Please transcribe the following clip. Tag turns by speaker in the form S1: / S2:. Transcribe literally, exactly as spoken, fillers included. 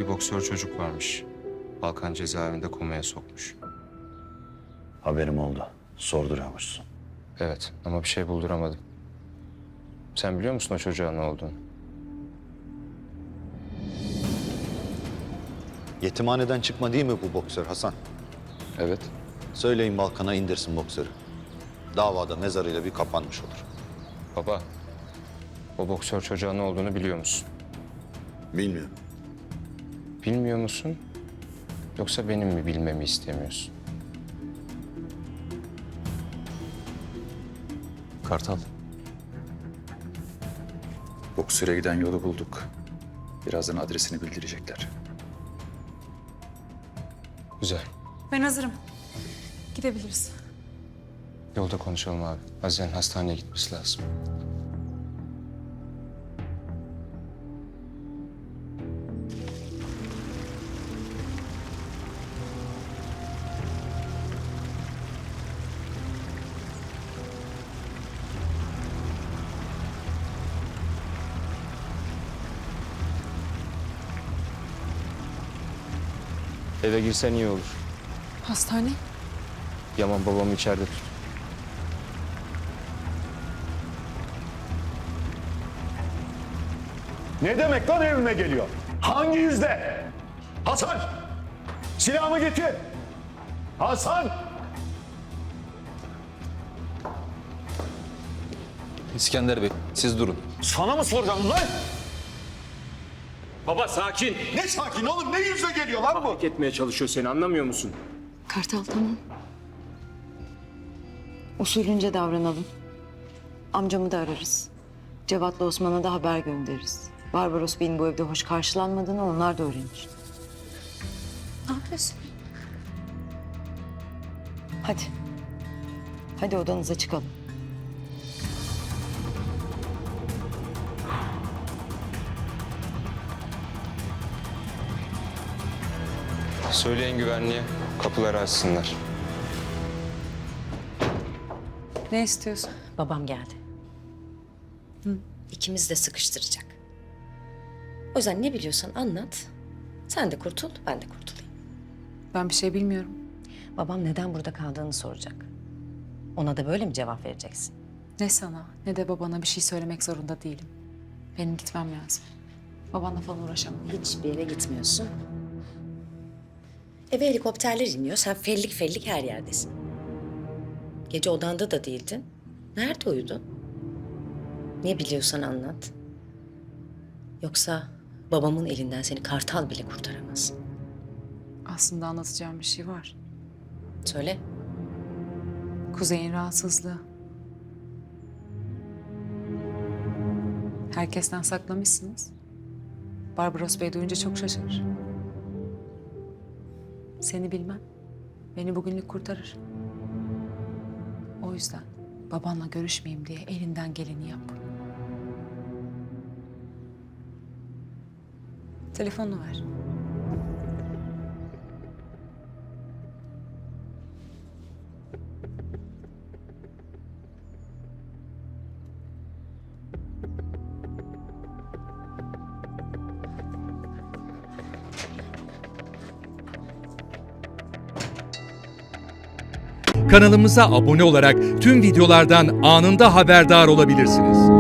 S1: bir boksör çocuk varmış. Balkan cezaevinde komaya sokmuş.
S2: Haberim oldu. Sorduruyormuşsun.
S1: Evet ama bir şey bulduramadım. Sen biliyor musun o çocuğa ne olduğunu?
S2: Yetimhaneden çıkma değil mi bu boksör Hasan?
S1: Evet.
S2: Söyleyin Balkan'a indirsin boksörü. Davada mezarıyla bir kapanmış olur.
S1: Baba, o boksör çocuğa ne olduğunu biliyor musun?
S2: Bilmiyorum.
S1: Bilmiyor musun? Yoksa benim mi bilmemi istemiyorsun?
S3: Kartal. Boksöre giden yolu bulduk. Birazdan adresini bildirecekler.
S1: Güzel.
S4: Ben hazırım. Gidebiliriz.
S1: Yolda konuşalım abi. Azize'nin hastaneye gitmesi lazım. Eve girsen iyi olur.
S4: Hastane?
S1: Yaman babamı içeride tut.
S5: Ne demek lan evime geliyor? Hangi yüzde? Hasan! Silahımı getir! Hasan!
S6: İskender Bey, siz durun.
S5: Sana mı soracağım lan?
S7: Baba sakin.
S5: Ne sakin oğlum, ne yüzle geliyor lan bu?
S7: Hak etmeye çalışıyor seni, anlamıyor musun?
S8: Kartal tamam. Usulünce davranalım. Amcamı da ararız. Cevat'la Osman'a da haber göndeririz. Barbaros Bey'in bu evde hoş karşılanmadığını onlar da öğrenir.
S4: Ne yapıyorsun?
S8: Hadi. Hadi odanıza çıkalım.
S1: Söyleyin güvenliğe, kapıları açsınlar.
S4: Ne istiyorsun?
S9: Babam geldi. İkimiz de sıkıştıracak. O yüzden ne biliyorsan anlat. Sen de kurtul, ben de kurtulayım.
S4: Ben bir şey bilmiyorum.
S9: Babam neden burada kaldığını soracak. Ona da böyle mi cevap vereceksin?
S4: Ne sana ne de babana bir şey söylemek zorunda değilim. Benim gitmem lazım. Babanla falan uğraşamam.
S9: Hiçbir yere gitmiyorsun. Eve helikopterler iniyor. Sen fellik fellik her yerdesin. Gece odanda da değildin. Nerede uyudun? Ne biliyorsan anlat. Yoksa babamın elinden seni kartal bile kurtaramaz.
S4: Aslında anlatacağım bir şey var.
S9: Söyle.
S4: Kuzey'in rahatsızlığı. Herkesten saklamışsınız. Barbaros Bey duyunca çok şaşırır. Seni bilmem. Beni bugünlük kurtarır. O yüzden babanla görüşmeyeyim diye elinden geleni yap. Telefonunu ver.
S10: Kanalımıza abone olarak tüm videolardan anında haberdar olabilirsiniz.